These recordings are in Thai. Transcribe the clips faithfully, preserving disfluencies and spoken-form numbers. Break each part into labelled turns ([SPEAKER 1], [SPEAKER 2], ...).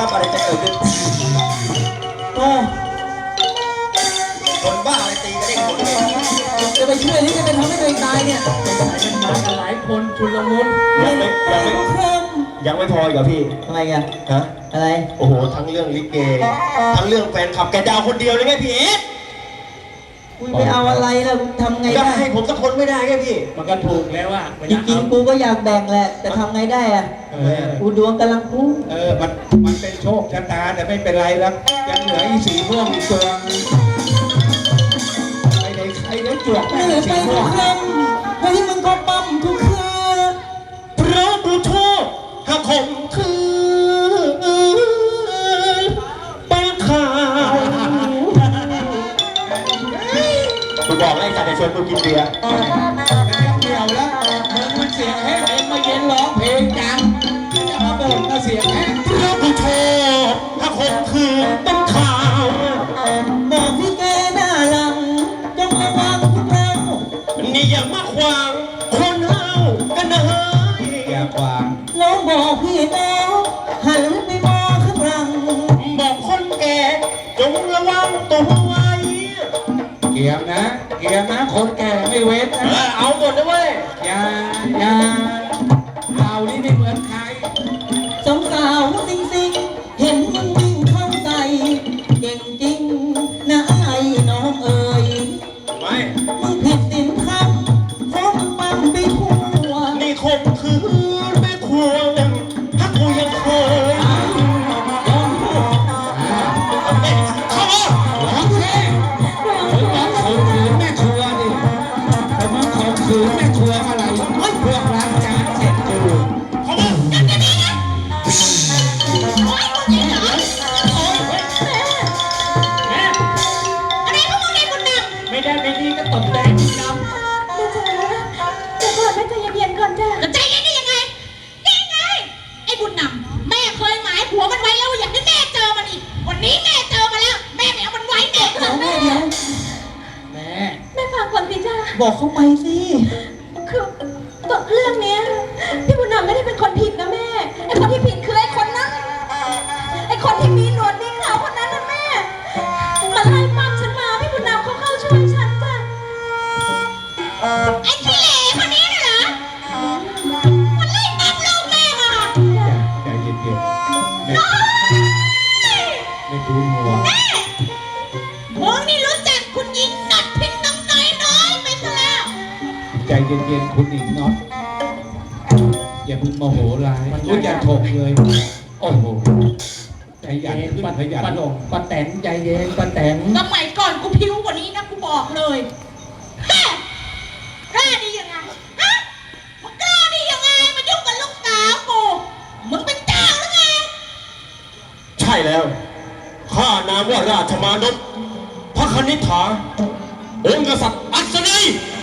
[SPEAKER 1] ครับอะไรจะเกิดขึ้นโอ้คนบ้าอะไรตีกันได้คนเลยจะไปช่วยหรือจะไปทำให้ตัวเองตายเนี่ย
[SPEAKER 2] มันมากันหลายคนชุลมุน
[SPEAKER 1] ยังไม่ยังไม่ยังไม่พออีกเหรอพี่ทำไมกันฮะอะไรโอ้โหทั้งเรื่องลิเกทั้งเรื่องแฟนคลับแกดาวคนเดียวเลยไงพี่เอ๊ะกูไม่เอาอะไรแล้วทำไงได้ให้ผมสักคนไม่ได้ไงพี่
[SPEAKER 2] มันก็ถูกแล้วอ่ะ
[SPEAKER 1] จริงๆกูก็อยากแบ่งแหละแต่ทำไงได้อ่ะกูดวงกำลังพุ่ง
[SPEAKER 2] เออมันมันเป็นโชคชะตาแต่ไม่เป็นไรแล้วยังเหลืออีสีม่วงอีกตัวไอ้เด็กไอ้เด็กจวกไอ้เด็กสีม่วง
[SPEAKER 1] เฮ้ยมึงก็ปั๊มทุกคืนเพราะดูโชคหากข่มขืนเป็นข่าวกูบอกไอ้สัตว์จะชวนกูกินเบียร์
[SPEAKER 2] เกี่ยวแล้วมึงมันเสียงแห้งเองมาเย็นร้องเพลงจังจะมาบ่นมาเสียงแห้ง
[SPEAKER 1] เพราะดูโชคหากข่มขืนเป็นข่าวบอกพี่แกหน้าหลังจงระวังพวกเรานี่อย่ามาขวางคนเฮากันนะเฮ้ย
[SPEAKER 2] อย่าขวาง
[SPEAKER 1] น้องบอกพี่แล้วหันไปมองข้างหลังบอกคนแก่จงระวังตัวไว้
[SPEAKER 2] เกี่ยมนะเกี่ยมนะคนแก่ไม่เว้นนะ
[SPEAKER 1] เอาหมดนะเว้ย
[SPEAKER 2] อย่าอย่าเรานี่ไม่เหมือนใคร
[SPEAKER 1] สองสาวสิงสิงเห็นมึงวิ่งเข้าใส่เก่งจริงนะไอ้น้องเอ๋ยไม่มึงผิดศีลธรรมฟ้องปั๊มไปทั่วนี่คงคือไม่ควรถ้ากูยังเคยร้องพูดเข้ามา
[SPEAKER 2] ร้องเพลงมึงร้องข่มขืนแม่ครัวดิแต่มึงข่มขืนแม่ครัวอะไรเฮ้ยพวกล้างจานเสร็จกู
[SPEAKER 1] เข้ามาจัดกันดีนะโอ๊ยมึงยิงเหรอโอ๊ยแม่แม่อะไรพวกมึงเล่นบุญนำ
[SPEAKER 2] ไม่ได้ไม่ดีก็ตบแดงบุญนำ
[SPEAKER 3] แม่จ๋าเดี๋ยวก่อนแม่ใจเย็นๆก่อนจ้ะ
[SPEAKER 4] ใจเย็นได้ยังไงยังไงไอ้บุญนำแม่เคยหมายผัวมันไว้แล้วอยากให้แม่เจอมันอีกวันนี้แม่เจอมาแล้วแม่ไม่เอามันไว้เด็ก
[SPEAKER 1] แม่เดี๋ยว
[SPEAKER 2] แม่
[SPEAKER 3] แม่ฟังก่อนสิจ้า
[SPEAKER 1] บอกเขาไปสิ
[SPEAKER 3] คือตัวเรื่องเนี้ยพี่บุญนำไม่ได้เป็นคนผิดนะแม่ไอ้คนที่ผิดคือไอ้คนนั้นไอ้คนที่มีหนวดมีเขาคนนั้นนะแม่มันไล่ปั๊มฉันมาพี่บุญนำเขาเข้าช่วยฉันจ้ะ
[SPEAKER 4] ไอ้ขี้เหร่คนนี้น่ะเหรอมันไล่ปั๊มลูกแม่มา
[SPEAKER 2] ใจเย็นๆแม่ไม่ดูหัว
[SPEAKER 4] มึงนี่รู้จักคุณหญิงหนอดพินน้องน้อยน้อยไปซะแล้ว
[SPEAKER 2] ใจเย็นๆคุณหญิงน็อตอย่าพึ่งโมโหร้ายรู้จักถกเลยโอ้โหใจเย็นขึ้นขยันลงป้าแตนใจเย็นป้าแตน
[SPEAKER 4] สมัยก่อนกูพิ้วกว่านี้นะกูบอกเลยแม่กล้าดียังไงฮะมึงกล้าดียังไงมายุ่งกับลูกสาวกูมึงเป็นเจ้าหรือไง
[SPEAKER 1] ใช่แล้วข้านามว่าราชมานพพระคณิษฐาองค์กษัตริย์อัศนัย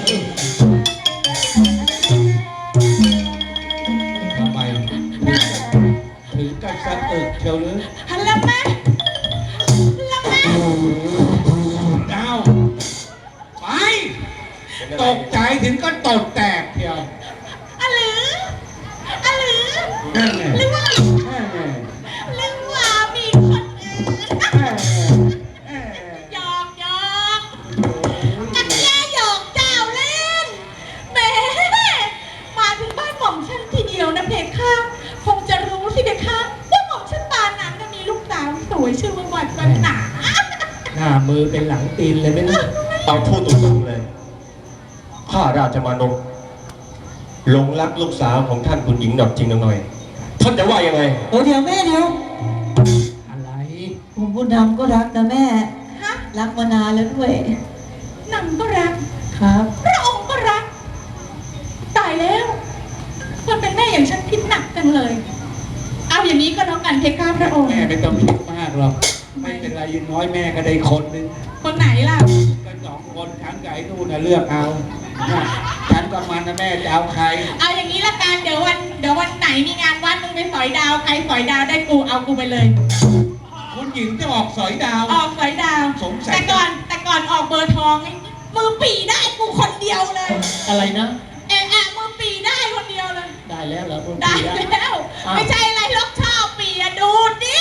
[SPEAKER 2] ทำไมถึงกับสะอึกเชียวหรือ
[SPEAKER 4] ฮัลโหลแม่ฮัลโหลแม่
[SPEAKER 2] ดาวไปตกใจถึงก็ตดแตกเชียว
[SPEAKER 4] อะหรืออะหรือ
[SPEAKER 2] นั่นไง
[SPEAKER 4] หรือว่า
[SPEAKER 2] นั่นไง
[SPEAKER 4] หรือว่ามีคนอื่นหยอกหยอกกันแย่หยอกเจ้าเล่นแม่มาถึงบ้านหม่อมฉันทีเดียวนะเพคะคงจะรู้สิเพคะว่าหม่อมฉันปานนั้นมีลูกสาวสวยชื่อว่าวันวันหนา
[SPEAKER 2] หน้ามือเป็นหลังตีนเลยไหมนะ
[SPEAKER 1] เอาพูดตรงๆเลยข้าราชมานพหลงรักลูกสาวของท่านคุณหญิงหนอดจริงหน่อยท่านจะว่ายังไงโอ้เดี๋ยวแม่เดี๋ยว
[SPEAKER 2] อะไร
[SPEAKER 1] ผมพูดนำก็รักนะแม่รักมานานแล้วด้วย
[SPEAKER 4] นำก็รัก
[SPEAKER 1] ครับ
[SPEAKER 4] พระองค์ก็รักตายแล้วคนเป็นแม่อย่างฉันคิดหนักจังเลยเอาอย่างนี้ก็แล้วกันเพคะพระองค์
[SPEAKER 2] แม่ไม่ต้องคิดมากหรอกไม่เป็นไรยิ่งน้อยแม่ก็ได้คนนึง
[SPEAKER 4] คนไหนล่ะ
[SPEAKER 2] ก็สองคนฉันกับไอ้นู่นน่ะเลือกเอาฉันกับมันนะแม่จะเอาใคร
[SPEAKER 4] เอาอย่างนี้ละกันเดี๋ยววันเดี๋ยววันไหนมีงานวัดมึงไปสอยดาวใครสอยดาวได้กูเอากูไปเลย
[SPEAKER 2] คุณหญิงจะออกสอยดาว
[SPEAKER 4] ออกสอยดาว
[SPEAKER 2] สงสัย
[SPEAKER 4] แต่ก่อนแต่ก่อนออกเบอร์ทองมือปีได้กูคนเดียวเลย
[SPEAKER 1] อะไรนะ
[SPEAKER 4] เอะอะมือปีได้คนเดียวเลย
[SPEAKER 1] ได้แล้วเหรอ
[SPEAKER 4] ได้แล้วไม่ใช่อะไรล็อกชอบปีอะดูดิ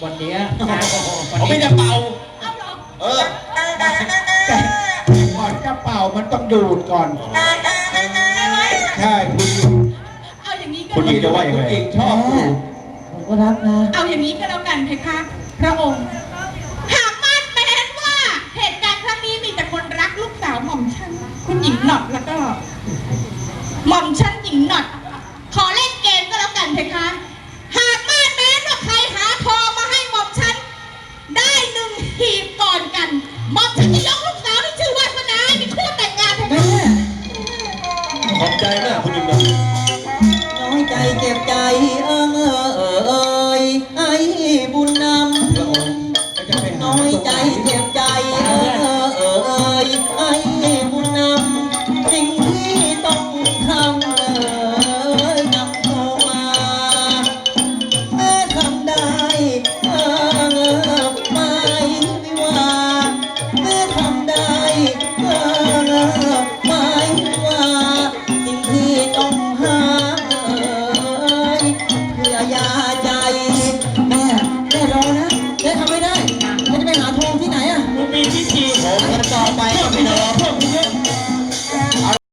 [SPEAKER 2] วันเนี้ย
[SPEAKER 5] ผมไม่ได้เป่า
[SPEAKER 4] เอาเหรอ
[SPEAKER 5] เออ
[SPEAKER 2] แต่ก่อนจะเป่ามันต้องดูดก่อน ใช่คุณหญิง
[SPEAKER 4] เอาอย่างนี้ก็
[SPEAKER 5] คุณหญิงจะว่ายัง
[SPEAKER 2] คุ
[SPEAKER 5] ไง
[SPEAKER 2] ณหญิงชอบดูด
[SPEAKER 1] ผมก็รักนะ
[SPEAKER 4] เอาอย่างนี้ก็แล้วกันเพคะ พระองค์ หากมาดแม้นว่าเหตุการณ์ครั้งนี้มีแต่คนรักลูกสาวหม่อมฉันคุณหญิงหนอดแล้วก็ หม่อมฉันหญิงหนอดขอเล่นเกมก็แล้วกันเพคะ หากมาดแม้นว่าใครหาทองมาให้หม่อมฉันได้หนึ่งหีบก่อนกันหม่อมฉันจะยกลูกสาวที่ชื่อวาสนาให้เป็นคู่แต่งงานเพ
[SPEAKER 1] แม่
[SPEAKER 4] คะ
[SPEAKER 5] ขอบใจมากคุณหญิงนะ
[SPEAKER 1] น้อยใจเจ็บใจ